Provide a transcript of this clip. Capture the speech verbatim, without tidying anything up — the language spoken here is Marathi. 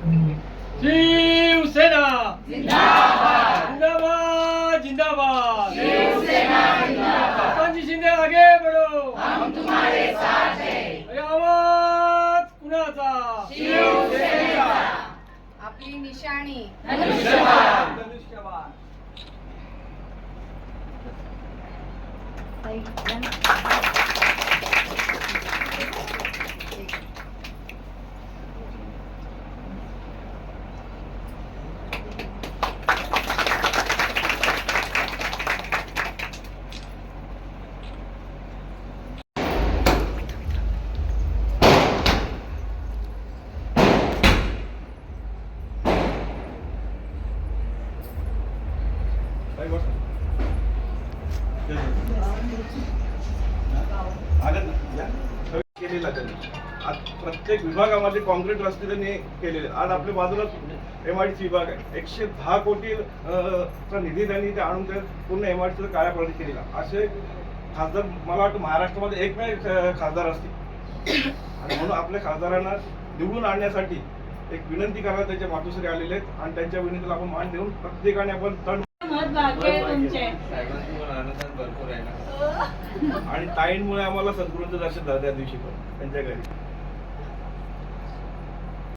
शिवसेना जिंदाबाद जिंदाबाद काकांजी शिंदे आगे बढ़ो, हम तुम्हारे साथ हैं। आवाज कुणाचा? शिवसेनेचा। आपली निशाणी धनुष्यबाण। धनुष्यबाण। केलेला त्यांनी आज प्रत्येक विभागामध्ये कॉन्क्रीट रस्ते त्यांनी केलेले. आज आपल्या बाजूला एमआयडीसी विभाग आहे, एकशे दहा कोटी चा निधी त्यांनी ते आणून ते पूर्ण एमआयडीसीचा कायापालट केलेला. असे खासदार मला वाटतं महाराष्ट्रामध्ये एकमेव खासदार असतील आणि म्हणून आपल्या खासदारांना निवडून आणण्यासाठी एक विनंती करायला त्याच्या मातोश्री आलेले आहेत आणि त्यांच्या विनंतीला आपण मान देऊन प्रत्येकाने आपण तण आणि ताईंमुळे आम्हाला सद्गुरूंचं दर्शन झालं त्या दिवशी पण त्यांच्या घरी.